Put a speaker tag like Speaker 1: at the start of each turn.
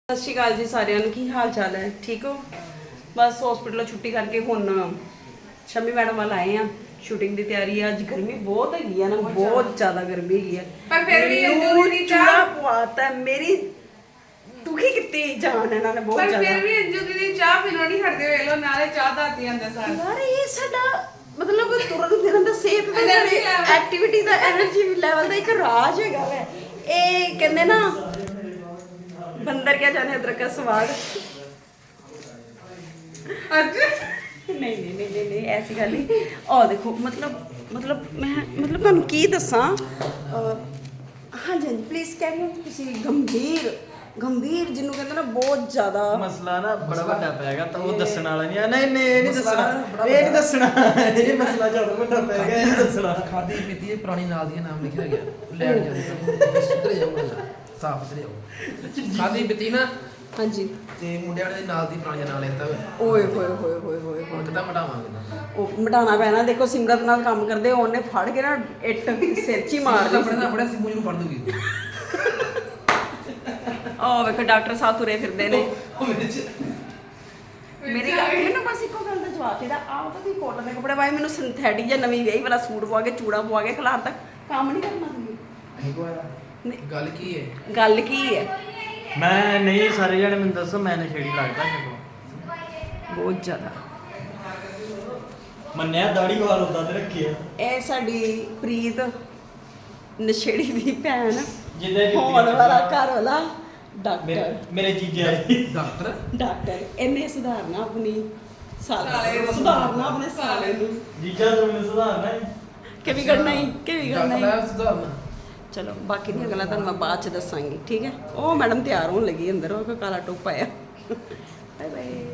Speaker 1: ਸਤਿ ਸ਼੍ਰੀ ਅਕਾਲ ਜੀ ਸਾਰਿਆਂ ਨੂੰ। ਕੀ ਹਾਲ ਚਾਲ ਹੈ? ਠੀਕ ਹੋ? ਬਸ ਹਸਪੀਟਲੋਂ ਛੁੱਟੀ ਕਰਕੇ ਹੁਣ ਸ਼ਮੀ ਮੈਡਮ ਵੱਲ ਆਏ ਆ। ਸ਼ੂਟਿੰਗ ਦੀ ਤਿਆਰੀ ਆ। ਅੱਜ ਗਰਮੀ ਬਹੁਤ ਹੈਗੀ ਆ ਨਾ, ਬਹੁਤ ਜ਼ਿਆਦਾ ਗਰਮੀ ਹੈਗੀ ਆ।
Speaker 2: ਪਰ ਫਿਰ ਵੀ
Speaker 1: ਅੰਜੂ ਦੀ ਚੂੜਾ ਪਵਾਤਾ ਮੇਰੀ ਦੁਖੀ ਕੀਤੀ ਜਾਨ ਇਹਨਾਂ ਨੇ ਬਹੁਤ ਜ਼ਿਆਦਾ।
Speaker 2: ਪਰ ਫਿਰ ਵੀ ਅੰਜੂ ਦੀਦੀ ਚਾਹ ਪੀਣੋਂ ਨਹੀਂ ਹਟਦੇ, ਵੇਖ ਲੋ ਨਾਲੇ ਚਾਹ ਦਾਤੀ ਆਂਦਾ ਸਾਰ।
Speaker 1: ਯਾਰ ਇਹ ਸਾਡਾ ਮਤਲਬ ਤੁਰਨ ਫਿਰਨ ਦਾ, ਸਿਹਤ ਦਾ, ਸਾਡੀ ਐਕਟੀਵਿਟੀ ਦਾ, એનર્ਜੀ ਲੈਵਲ ਦਾ ਇੱਕ ਰਾਜ ਹੈਗਾ ਵੈ। ਇਹ ਕਹਿੰਦੇ ਨਾ ਬੰਦਰ ਕਿਆ ਜਾਣੇ ਅਦਰਕ ਦਾ ਸਵਾਦ। ਨਹੀਂ ਐਸੀ ਗੱਲ ਨਹੀਂ। ਆਹ ਦੇਖੋ ਮਤਲਬ ਮੈਂ ਤੁਹਾਨੂੰ ਕੀ ਦੱਸਾਂ। ਹਾਂਜੀ ਪਲੀਜ਼ ਕੈਰੀ ਔਨ। ਤੁਸੀਂ ਗੰਭੀਰ ਜਿਹਨੂੰ ਕਹਿੰਦੇ ਨਾ ਬਹੁਤ ਜ਼ਿਆਦਾ
Speaker 3: ਮਸਲਾ ਨਾ ਬੜਾ ਵੱਡਾ ਪੈ ਗਿਆ, ਤਾਂ ਉਹ ਦੱਸਣ ਵਾਲਾ ਨਹੀਂ। ਨਹੀਂ ਇਹ ਨਹੀਂ ਦੱਸਣਾ ਇਹ ਮਸਲਾ ਜ਼ਿਆਦਾ ਵੱਡਾ ਪੈ ਗਿਆ, ਇਹ ਨਹੀਂ ਦੱਸਣਾ।
Speaker 4: ਖਾਦੀ ਪੀਤੀ ਪੁਰਾਣੀ ਨਾਲ ਦੀ ਨਾਮ ਲਿਖਿਆ ਗਿਆ, ਲੈਣ ਜਾਂਦੇ ਸਿੱਧਰ ਜਾਓ, ਸਾਫ ਸਿੱਧਰ ਜਾਓ। ਖਾਦੀ ਪੀਤੀ ਨਾ,
Speaker 1: ਹਾਂਜੀ,
Speaker 4: ਤੇ ਮੁੰਡਿਆਂ ਦੇ ਨਾਲ ਦੀ ਪੁਰਾਣੀ ਨਾਲ ਲੈਂਦਾ
Speaker 1: ਓਏ ਹੋਏ
Speaker 4: ਹੁਣ ਕਿੱਦਾਂ ਮਟਾਵਾਂਗੇ?
Speaker 1: ਉਹ ਮਟਾਣਾ ਪੈਣਾ। ਦੇਖੋ ਸਿਮਰਤ ਨਾਲ ਕੰਮ ਕਰਦੇ, ਉਹਨੇ ਫੜ ਕੇ ਨਾ ਇੱਟ ਸਿਰ 'ਚ ਹੀ ਮਾਰ ਦਿੱਤੀ।
Speaker 4: ਆਪਣੇ ਸਿੰਮੂ ਨੂੰ ਫੜ ਦੂਗੀ।
Speaker 1: ਆਹ ਵੇਖੋ ਡਾਕਟਰ ਸਾਹਿਬ ਤੁਰੇ ਫਿਰਦੇ ਨੇ। ਮੇਰੀ ਗੱਲ ਮੈਨੂੰ ਬਸ ਇੱਕੋ ਗੱਲ ਦਾ ਜਵਾਬ ਇਹਦਾ, ਆਹ ਤਾਂ ਤੁਸੀਂ ਕੋਟਨ ਦੇ ਕੱਪੜੇ ਪਾਏ, ਮੈਨੂੰ ਸਿੰਥੈਟਿਕ ਜਾਂ ਨਵੀਂ ਵਿਆਹੀ ਵਾਲਾ ਸੂਟ ਪਵਾ ਕੇ ਚੂੜਾ ਪਵਾ ਕੇ ਖਿਲਾਰ ਤੱਕ ਕੰਮ ਨਹੀਂ ਕਰਨਾ ਤੁਸੀਂ।
Speaker 4: ਗੱਲ ਕੀ ਹੈ?
Speaker 1: ਗੱਲ ਕੀ ਹੈ?
Speaker 3: ਮੈਂ ਨਹੀਂ, ਸਾਰੇ ਜਣੇ ਮੈਨੂੰ ਦੱਸੋ, ਮੈਂ ਨਸ਼ੇੜੀ ਲੱਗਦਾ ਜਦੋਂ
Speaker 1: ਬਹੁਤ ਜ਼ਿਆਦਾ।
Speaker 3: ਮੰਨਿਆ ਦਾੜੀ ਵਾਲ ਉਦਾਂ ਤੇ ਰੱਖਿਆ।
Speaker 1: ਇਹ ਸਾਡੀ ਪ੍ਰੀਤ ਨਸ਼ੇੜੀ ਦੀ ਭੈਣ,
Speaker 3: ਜਿਹਦੇ
Speaker 1: ਹੋਣ ਵਾਲਾ ਘਰ ਵਾਲਾ ਡਾਕਟਰ।
Speaker 3: ਮੇਰੇ ਜੀਜਾ ਜੀ
Speaker 4: ਡਾਕਟਰ
Speaker 1: ਇਹਨੇ ਸੁਧਾਰਨਾ ਆਪਣੀ ਸੁਧਾਰਨਾ ਆਪਣੇ ਸਾਲੇ ਨੂੰ।
Speaker 3: ਜੀਜਾ ਤੋਂ ਮੈਨੂੰ ਸੁਧਾਰਨਾ ਹੈ
Speaker 1: ਕਿ ਵਿਗੜਨਾ ਹੀ
Speaker 4: ਡਾਕਟਰ ਸੁਧਾਰਨਾ।
Speaker 1: ਚਲੋ ਬਾਕੀ ਦੀਆਂ ਗੱਲਾਂ ਤੁਹਾਨੂੰ ਮੈਂ ਬਾਅਦ ਚ ਦੱਸਾਂਗੀ, ਠੀਕ ਹੈ? ਉਹ ਮੈਡਮ ਤਿਆਰ ਹੋਣ ਲੱਗੀ ਅੰਦਰ, ਉਹ ਕਾਲਾ ਟੋਪ ਪਾਇਆ। Bye bye.